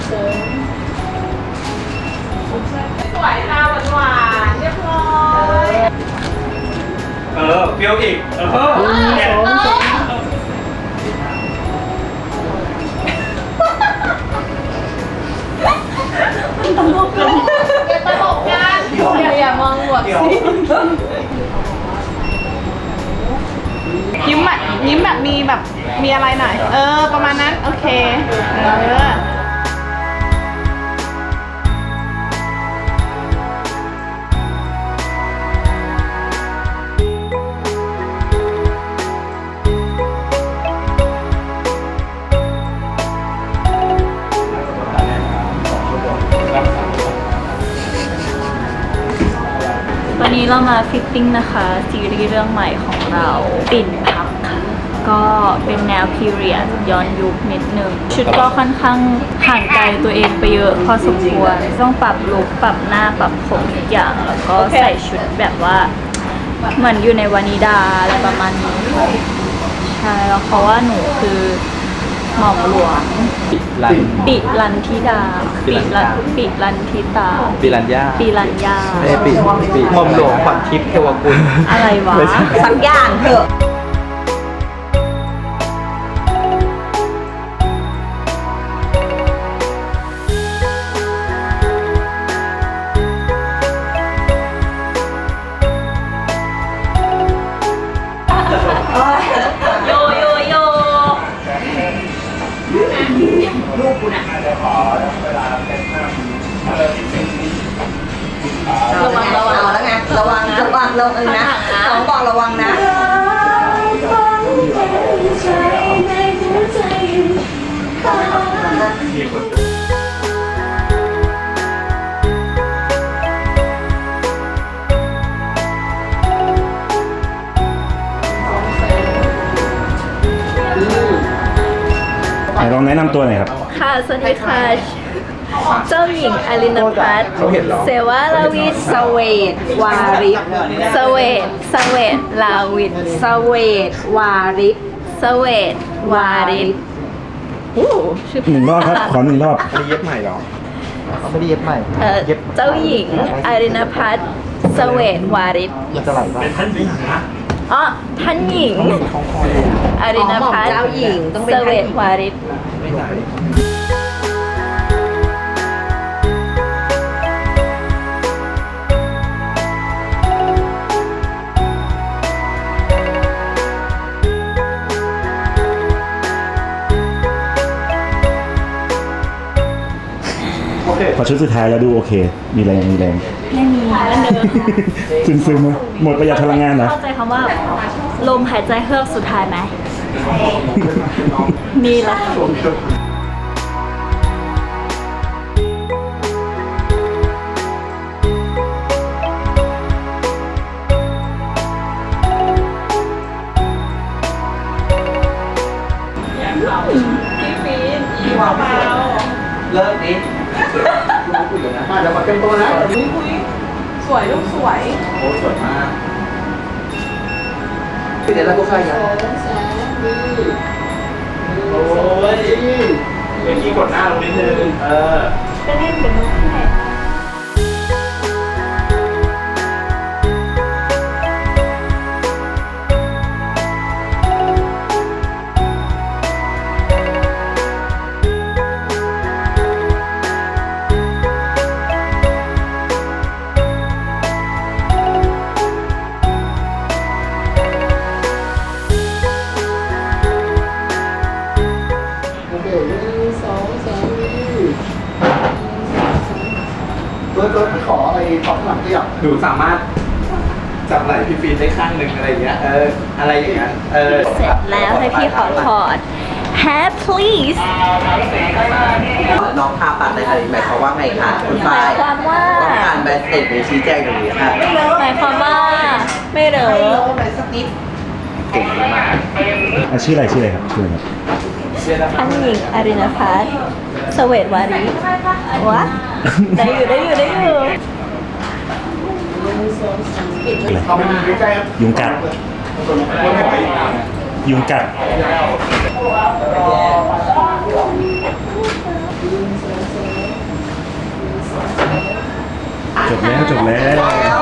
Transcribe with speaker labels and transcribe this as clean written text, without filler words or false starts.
Speaker 1: สวยค่ะหวานๆเรียบร้อย
Speaker 2: เปรี้ยวอีกเนี่ย
Speaker 1: ตลกกันอย่ามองบวกสิยิ้มแบบมีอะไรหน่อยประมาณนั้นโอเค
Speaker 3: วันนี้เรามาฟิตติ้งนะคะซีรีส์เรื่องใหม่ของเราปิ่นพักค่ะก็เป็นแนวพีเรียดย้อนยุคนิดนึงชุดก็ค่อนข้างห่างไกลตัวเองไปเยอะพอสมควรต้องปรับลุคปรับหน้าปรับผมทุกอย่างแล้วก็ใส่ชุดแบบว่าเหมือนอยู่ในวานิดาอะไรประมาณนี้ใช่แล้วเพราะว่าหนูคือหม่อมหลวงปิรันธิดาปิรันธิตา
Speaker 4: ปิรัญญาปิหม่อมหลวงขวัญทิพย์เทวกุล
Speaker 3: อะไรวะ
Speaker 1: สักอย่างเถอะลูกกูน่ะระวังแล้วไงระวังนะน้องบอกระวังนะ
Speaker 5: ลองแนะนำตัวหน่อยครับ
Speaker 3: ค่ะสวัสดีค่ะเจ้าหญิงอลินพัฒน์เสวาลาวิท
Speaker 1: สเวตวาริศ
Speaker 3: สเวตลาวิท
Speaker 1: สเวตวาริศ
Speaker 3: สเวตวาริศ
Speaker 5: หนึ่งรอบครับขอ1 รอบ
Speaker 4: ไม่ได้เย็บใหม่หรอเขาไม่ได้เย็บใหม่
Speaker 3: เจ้าหญิงอลินพัฒน์สเวตวาริศ
Speaker 4: มันจะไหลป่ะเป็นท่านหญิงนะ
Speaker 3: ท่านหญิงอรินพัฒน์
Speaker 1: เจ้าหญิงต้องเป็น
Speaker 3: สเวตวาริศ
Speaker 5: พอชุดสุดท้ายแล้วดูโอเคมีแรง
Speaker 3: ไม่มีแล้วเดิ
Speaker 5: นซึมหมดประหยัดพลังงานเหรอ
Speaker 3: เข้าใจคำว่าลมหายใจเฮือกสุดท้ายไหมนี่แหละ
Speaker 4: เลิกดิมาเดี๋ยวมาเต็มตัวนะ
Speaker 1: สวยลูกสวย
Speaker 4: โอ้สวยมากเดี๋ยวเราก็ใครอ่ะ
Speaker 2: โอ้ยเมื่อกี้กดหน้าลงนิดนึง
Speaker 3: ก็เล่นเป็นมุกแค่
Speaker 4: รถขออะไรของหลังก็อยากหนูสามารถจับไหล่พี่ฟีนได้ข้างหนึ่งอะไรอย่างเงี้ยอะไรอย่างเงี้ย
Speaker 3: เสร็จแล้วให้พี่ขอถอด Hat please
Speaker 4: น้องพาปัดในอะไรหมายความว่าไงคะคุณฝ้าย
Speaker 3: ความว่า
Speaker 4: ต้องการแบสเต็ดหรือชี้แจงตรงนี้ค่ะ
Speaker 3: หมายความว่าไม่เหรอ
Speaker 4: เก่งมาก
Speaker 5: ชื่ออะไรครับ
Speaker 3: ท่านหญิงอรินพัฒน์สเวตวาริศวะได้อยู่
Speaker 5: ยุงกัดจบแล้ว